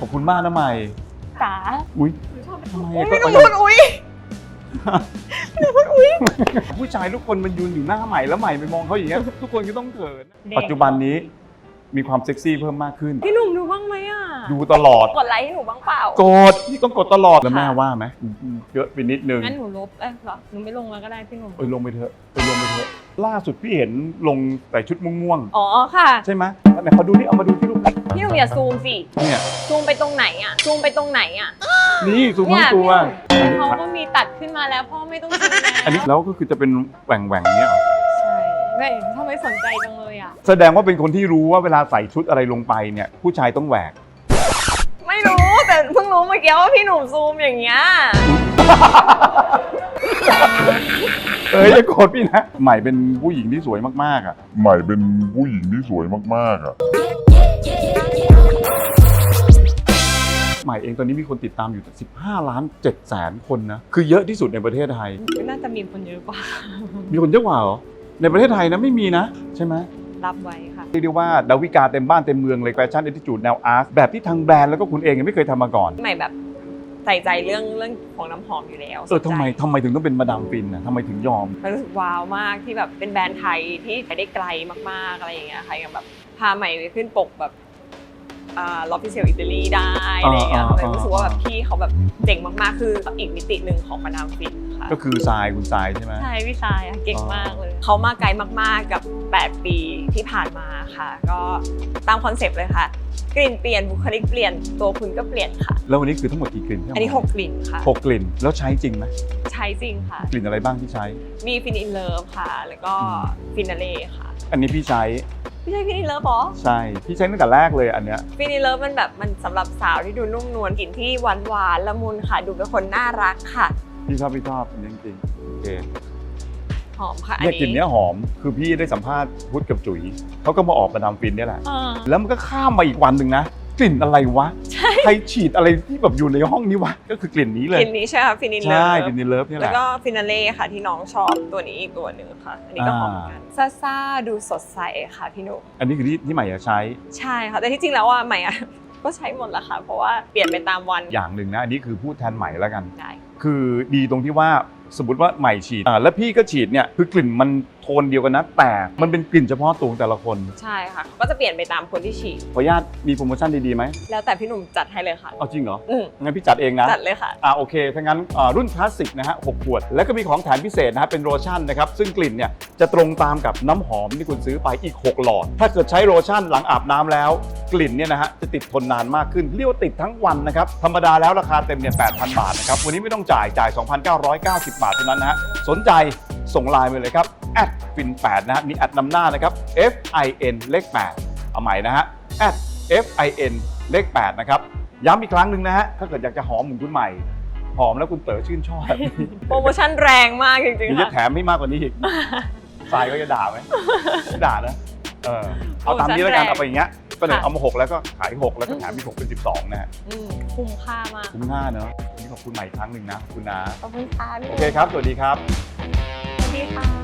อบคุณมากนะใหม่จ๋าอุ้ยทำไมอุ้ยก็หนูพูดอุ้ยผู้ชายทุกคนมันยืนอยู่หน้าใหม่แล้วใหม่ไปมองเขาอย่างเงี้ยทุกคนก็ต้องเขินปัจจุบันนี้มีความเซ็กซี่เพิ่มมากขึ้นพี่หนุ่มดูบ้างไหมอ่ะดูตลอดกดไลค์ให้หนูบ้างเปล่ากดพี่ต้องกดตลอดแล้วแม่ว่าไหมเยอะไปนิดนึงงั้นหนูลบเหรอหนูไม่ลงแล้วก็ได้พี่หนุ่มลงไปเถอะลงไปเถอะล่าสุดพี่เห็นลงแต่ชุดม่วงอ๋อค่ะๆใช่ไหมไหนเขาดูนี่เอามาดูที่รูปพี่หนุ่มอย่าซูมสิเนี่ยซูมไปตรงไหนอ่ะซูมไปตรงไหนอ่ะนี่ซูมทั้งตัวเขาก็มีตัดขึ้นมาแล้วพ่อไม่ต้องซูมแล้วอันนี้แล้วก็คือจะเป็นแหว่งๆเนี้ยเหรอใช่ไม่ทำไมสนใจจังเลยอ่ะแสดงว่าเป็นคนที่รู้ว่าเวลาใส่ชุดอะไรลงไปเนี่ยผู้ชายต้องแหวกไม่รู้แต่เพิ่งรู้เมื่อกี้ว่าพี่หนุ่มซูมอย่างเงี้ยอย่าโกรธพี่นะใหม่เป็นผู้หญิงที่สวยมากๆอ่ะใหม่เป็นผู้หญิงที่สวยมากๆอ่ะใหม่เองตอนนี้มีคนติดตามอยู่15 ล้าน7แสนคนนะคือเยอะที่สุดในประเทศไทยน่าจะมีคนเยอะกว่ามีคนเยอะกว่าเหรอในประเทศไทยนะไม่มีนะใช่ไหมรับไว้ค่ะเรียกได้ว่าดาวิกาเต็มบ้านเต็มเมืองเลยแฟชั่นแอททิจูดแนวอาร์ตแบบที่ทางแบรนด์แล้วก็คุณเองยังไม่เคยทำมาก่อนใหม่แบบใส่ใจเรื่องของน้ำหอมอยู่แล้วทำไมถึงต้องเป็นมาดามฟินนะทำไมถึงยอมมันรู้สึกว้าวมากที่แบบเป็นแบรนด์ไทยที่ไปได้ไกลมากๆอะไรอย่างเงี้ยค่ะอย่างแบบพาใหม่ไปขึ้นปกแบบลอฟฟิเชียลอิตาลีได้อะไรอย่างเงี้ยเลยรู้สึกว่าแบบพี่เขาแบบเจ๋งมากๆคืออีกมิติหนึ่งของมาดามฟินค่ะก็คือทรายคุณทรายใช่ไหมใช่พี่ชายอะเก่งมากเลยเขามาไกลมากๆกับ8 ปีที่ผ่านมาค่ะ ก็ตามคอนเซปต์เลยค่ะกลิ่นเปลี่ยนบุคลิกเปลี่ยนตัวคุณก็เปลี่ยนค่ะแล้ววันนี้คือทั้งหมดกี่กลิ่นอันนี้6 กลิ่นค่ะ 6 กลิ่นแล้วใช้จริงไหมใช้จริงค่ะกลิ่นอะไรบ้างที่ใช้มีฟินอินเลิฟค่ะ แล้วก็ฟินาเล่ค่ะอันนี้พี่ใช้ไม่ใช่ฟินอินเลิฟหรอใช่พี่ใช้ตั้งแต่แรกเลยอันเนี้ยฟินอินเลิฟมันแบบมันสำหรับสาวที่ดูนุ่มนวลกลิ่นที่หวานหวานละมุนค่ะ ดูเป็นคนน่ารักค่ะพี่ชอบอันนี้จริงๆโอเคหอมค่ะเนี่ยกลิ่นเนี้ยหอมคือพี่ได้สัมภาษณ์พุทธกับจุ๋ยเขาก็มาออกมาดามฟินเนี่ยแหละอ่าแล้วมันก็ข้ามมาอีกวันหนึ่งนะกลิ่นอะไรวะใช่ใครฉีดอะไรที่แบบอยู่ในห้องนี้วะก็คือกลิ่นนี้เลกยลิ่นนี้ใช่ค่ะฟินอินเลิใช่ฟกลิ่นนี้เลิฟเนี่ยแหแล้วละก็ฟินาเล่ค่ะที่น้องชอบตัวนี้อีกตัวหนึ่งค่ะ อันนี้ก็หอมเหมือนกันซ่าๆดูสดใสค่ะพี่หนุ่มอันนี้คือที่ใหม่อยากใช้ใช่ค่ะแต่ที่จริงแล้วอ่ะใหม่อ่ะ ก็ใช้หมดแล้วค่ะเพราะว่าเปลี่ยนไปตามวันอย่างหนึ่งนะอันนี้คือพูดแทนใหม่แล้วกันได้คือดีตรงที่ว่าสมมติว่าใหม่ฉีดแล้วพี่ก็ฉีดเนี่ยคือกลิ่นมันโทนเดียวกันนะแต่มันเป็นกลิ่นเฉพาะตัวของแต่ละคนใช่ค่ะก็จะเปลี่ยนไปตามคนที่ฉีดขออนุญาตมีโปรโมชั่นดีๆไหมแล้วแต่พี่หนุ่มจัดให้เลยค่ะเอาจริงเหรออืมงั้นพี่จัดเองนะจัดเลยค่ะโอเคถ้างั้นรุ่นคลาสสิกนะฮะ6 ขวด แล้วก็มีของแถมพิเศษนะฮะเป็นโลชั่นนะครับซึ่งกลิ่นเนี่ยจะตรงตามกับน้ำหอมที่คุณซื้อไปอีก6 หลอด ถ้าเกิดใช้โลชั่นหลังอาบน้ำแล้วกลิ่นเนี่ยนะฮะจะติดทนนานมากขึ้นเรียกว่าติดทั้งวันนะครับธรรมดาแล้วราคาเต็มเนี่ย 8,000 บาทนะครับวันนี้ไม่ต้องจ่าย 2,990 บาทเท่านั้นนะฮะสนใจส่งไลน์มาเลยครับ@fin8นะฮะมีแอดนำหน้านะครับ FIN เลข 8เอาใหม่นะฮะ@FIN เลข 8นะครับย้ำอีกครั้งหนึ่งนะฮะถ้าเกิดอยากจะหอมเหมือนคุณใหม่หอมแล้วคุณเต๋อชื่นชอบโปรโมชั่นแรงมากจริงเดี๋ยวๆจะค่ะแถมให้มากกว่านี้อีก ทรายก็จะด่าไหมไม่ด่านะเอาตามนี้แล้วกันเอาไปอย่างเงี้ยก็เลยเอามา6แล้วก็ขาย6แล้วก็แถมอีก6เป็น12นะฮะคุ้มค่ามากคุ้มค่าเนอะวันนี้ขอบคุณใหม่อีกครั้งหนึ่งนะขอบคุณนะขอบคุณค่ะพี่โอเคครับสวัสดีครับสวัสดีค่ะ